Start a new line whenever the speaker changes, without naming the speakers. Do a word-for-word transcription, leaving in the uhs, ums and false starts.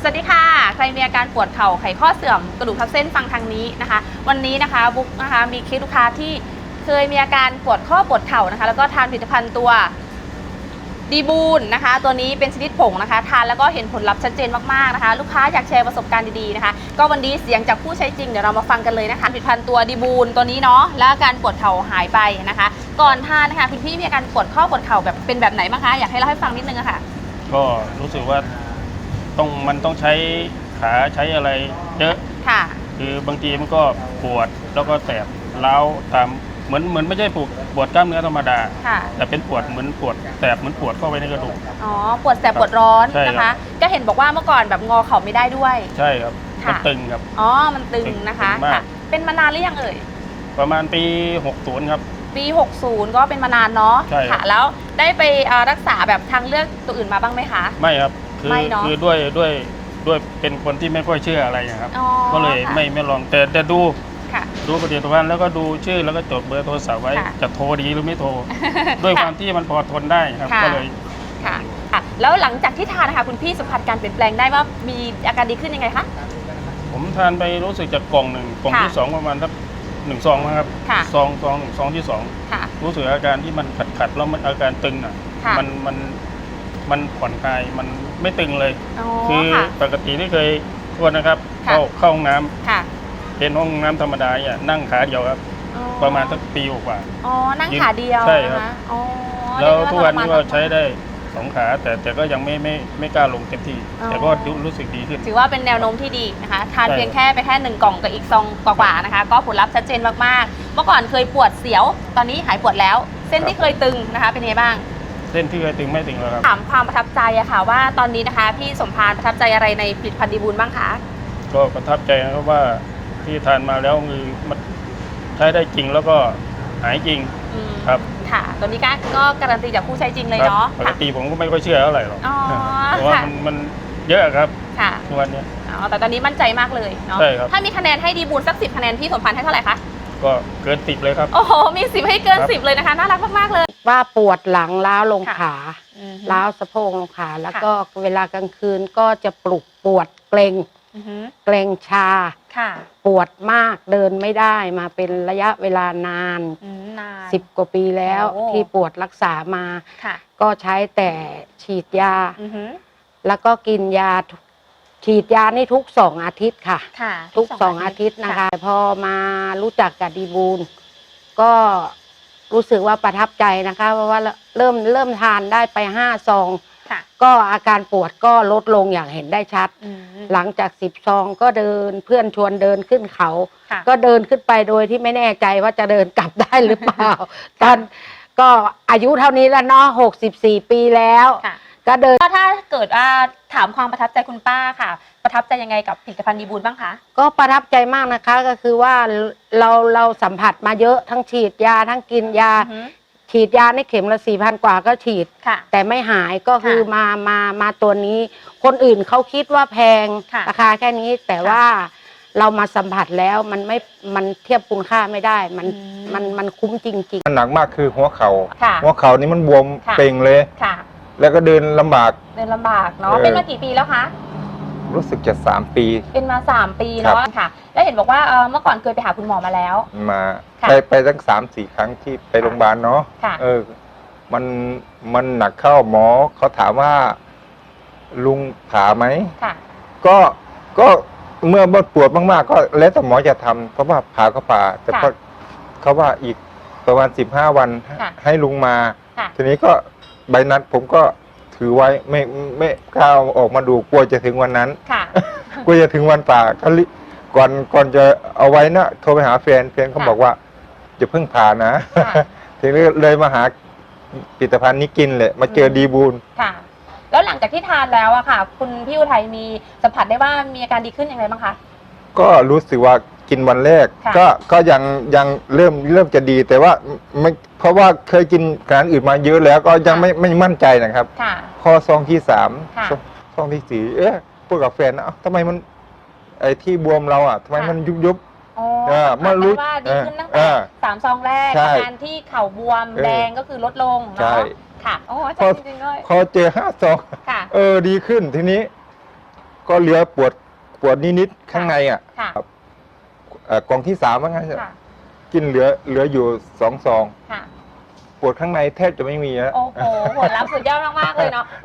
สวัสดีค่ะใครมีอาการปวดเข่าไขข้อเสื่อมกระดูกทับเส้นฟังทางนี้นะคะวันนี้นะคะบุ๊กนะคะมีเคสลูกค้าที่เคยมีอาการปวดข้อปวดเข่านะคะแล้วก็ทานผลิตภัณฑ์ตัวดีบูนนะคะตัวนี้เป็นชนิดผงนะคะทานแล้วก็เห็นผลลัพธ์ชัดเจนมากๆนะคะลูกค้าอยากแชร์ประสบการณ์ดีๆนะคะก็วันนี้เสียงจากผู้ใช้จริงเดี๋ยวเรามาฟังกันเลยนะคะผลิตภัณฑ์ตัวดีบูนตัวนี้เนาะแล้วอาการปวดเข่าหายไปนะคะก่อนทานนะคะคุณพี่มีอาการปวดข้อปวดเข่าแบบเป็นแบบไหนบ้างคะอยากให้เล่าให้ฟังนิดนึงอะค่ะ
ก็รู้สึกว่าต้องมันต้องใช้ขาใช้อะไรเยอะ
ค่ะ
คือบางทีมันก็ปวดแล้วก็แสบร้าวตามเหมือนเหมือนไม่ใช่ปวดปวดกล้ามเนื้อธรรมดาแต่เป็นปวดเหมือนปวดแสบเหมือนปวดเข้าไปในกระดูก
อ๋อปวดแสบปวดร้อนนะคะก็เห็นบอกว่าเมื่อก่อนแบบงอเข่าไม่ได้ด้วย
ใช่ครับมันตึงครับ
อ๋อมันตึงนะคะค่ะเป็นมานานหรือยังเอ่ย
ประมาณปีหกสิบครับ
ปีหกสิบก็เป็นมานานเนาะค่ะแล้วได้ไปรักษาแบบทางเลือกตัวอื่นมาบ้างไหมคะ
ไม่ครับคือคือด้วยด้วยด้วยเป็นคนที่ไม่ค่อยเชื่ออะไรครับก็เลยไม่ไม่ลองแต่แต่ดูดูผลิตภัณฑ์แล้วก็ดูชื่อแล้วก็จดเบอร์โทรศัพท์ไว้จะโทรดีหรือไม่โทรด้วยความที่มันพอทนได้ครับก็เลย
ค่ะแล้วหลังจากที่ทานนะคะคุณพี่สัมผัสการเปลี่ยนแปลงได้ว่ามีอาการดีขึ้นยังไงคะ
ผมทานไปรู้สึกจากกล่องหนึ่งกล่องที่สองประมาณสักหนึ่งซองนะครับซองซองหนึ่งซองที่สองรู้สึกอาการที่มันขัดขัดแล้วมันอาการตึงอ่ะมันมันมันผ่อนคลายมันไม่ตึงเลยคือปกติที่เคยทวนนะครับเข้าเข้าห้องน้ำเป็นห้องน้ำธรรมดาเนี่ยนั่งขาเดียวครับประมาณสักปีกว่า
อ๋อนั่งขาเดียว
ใช่ครับแล้วทุกวันนี้ก็ใช้ได้สองขาแต่แต่ก็ยังไม่ไม่ไม่กล้าลงเต็มที่แต่ก็รู้สึกดีขึ้น
ถือว่าเป็นแนวโน้มที่ดีนะคะทานเพียงแค่ไปแค่หนึ่งกล่องกับอีกซองกว่าๆนะคะก็ผลลัพธ์ชัดเจนมากๆเมื่อก่อนเคยปวดเสียวตอนนี้หายปวดแล้วเส้นที่เคยตึงนะคะเป็นไงบ้าง
เส้นที่เคยตึงไม่ตึงแล้วครับ
ถามความประทับใจอะค่ะว่าตอนนี้นะคะพี่สมพานประทับใจอะไรในผลิตภัณฑ์ดีบูลบ้างคะ
ก็ประทับใจนะครับว่าที่ทานมาแล้วคือมันใช้ได้จริงแล้วก็หายจริงครับ
ค่ะตัวนี้ก็การันตีจากผู้ใช้จริงเลยเนาะ
ปกติผมก็ไม่ค่อยเชื่อเท่าไหร่หรอกเพราะว่ามันมันเยอะครับทุกวันนี้
อ๋อแต่ตอนนี้มั่นใจมากเลยเนาะถ้ามีคะแนนให้ดีบูลสักสิบคะแนนพี่สมพานให้เท่าไหร่คะ
ก็เกินสิบเลยครับ
โอ้โหมีสิบให้เกินสิบเลยนะคะน่ารักมากๆเลย
ว่าปวดหลังล้าวลงขาล้าวสะโพกลงขาแล้วก็เวลากลางคืนก็จะปลุกปวดเกร็งเกร็งชาปวดมากเดินไม่ได้มาเป็นระยะเวลานานสิบกว่าปีแล้วที่ปวดรักษามาก็ใช้แต่ฉีดยาแล้วก็กินยาฉีดยานี่ทุกสองอาทิตย์ค่ะทุกสองอาทิตย์นะคะพอมารู้จักกับดีบูลก็รู้สึกว่าประทับใจนะคะเพราะว่าเริ่มเริ่มทานได้ไปห้าซองก็อาการปวดก็ลดลงอย่างเห็นได้ชัดหลังจากสิบซองก็เดินเพื่อนชวนเดินขึ้นเขาก็เดินขึ้นไปโดยที่ไม่แน่ใจว่าจะเดินกลับได้หรือเปล่าตอนก็อายุเท่านี้แล้วเนาะหกสิบสี่ปีแล้วก็เดิน
ถ้าเกิดว่าถามความประทับใจคุณป้าค่ะประทับใจยังไงกับผลิตภัณฑ์ดีบูลบ้างคะ
ก็ประทับใจมากนะคะก็คือว่าเราเราสัมผัสมาเยอะทั้งฉีดยาทั้งกินยาฉีดยาในเข็มละสี่พันกว่าก็ฉีดแต่ไม่หายก็คือมามามาตัวนี้คนอื่นเขาคิดว่าแพงราคาแค่นี้แต่ว่าเรามาสัมผัสแล้วมันไม่มันเทียบคุณค่าไม่ได้มันมันมันคุ้มจริงๆ
มันหนักมากคือหัวเขา่าหัวเข่านี่มันบวมเป่งเลยแล้วก็เดินลำบาก
เดินลำบากเนาะเป็นมากี่ปีแล้วคะ
รู้สึกจะสามปี
เป็นมาสามปีเนาะค่ะแล้วเห็นบอกว่าเมื่อก่อนเคยไปหาคุณหมอมาแล้ว
มาไปไปตั้งสามสี่ครั้งที่ไปโรงพยาบาลเนาะเออมันมันหนักเข้าหมอเขาถามว่าลุงผ่าไหมก็ก็เมื่อปวดมากๆก็แล้วแต่หมอจะทำเพราะว่าผ่าก็ผ่าแต่ก็เขาว่าอีกประมาณสิบห้าวันให้ลุงมาทีนี้ก็ใบนัดผมก็ถือไว้ไม่ไม่กล้าออกมาดูกลัวจะถึงวันนั้นกลัวจะถึงวันป่าก็ก่อนก่อนจะเอาไว้นะโทรไปหาแฟนแฟนเขาบอกว่าจะเพิ่งผ่านะทีนี้เลยมาหาผลิตภัณฑ์นี้กินเลยมาเจอดีบูล
ค่ะแล้วหลังจากที่ทานแล้วอะค่ะคุณพี่อุทัยมีสัมผัสได้ว่ามีอาการดีขึ้นอย่างไรบ้างคะ
ก็รู้สึกว่ากินวันแรกก็ก็ยังยังเริ่มเริ่มจะดีแต่ว่าไม่เพราะว่าเคยกินอาหารอื่นมาเยอะแล้วก็ยังไม่ไม่มั่นใจนะครับพอซองที่สามซองที่สี่เอ๊ะพูดกับแฟนนะทำไมมันไอ้ที่บวมเราอ่ะทำไมมันยุบยุบ
เมื่อรู้ว่าดีขึ้นตั้งแต่สามซองแรกอาการที่เข่าบวมแดงก็คือลดลงเนาะค่ะโอ้จริงจริงเลย
พอเจอห้าซองเออดีขึ้นทีนี้ก็เหลือปวดปวดนิดๆข้างในอ่ะ
ค่ะ
ครับเอ่อกล่องที่สามว่างั้นเถอะ
ค่ะ
กินเหลือเหลืออยู่สองซอง
ค่ะ
ปวดข้างในแทบจะไม่มีแล้ว
โอ้โหผลลัพธ์สุดยอดมากๆเลยเนาะ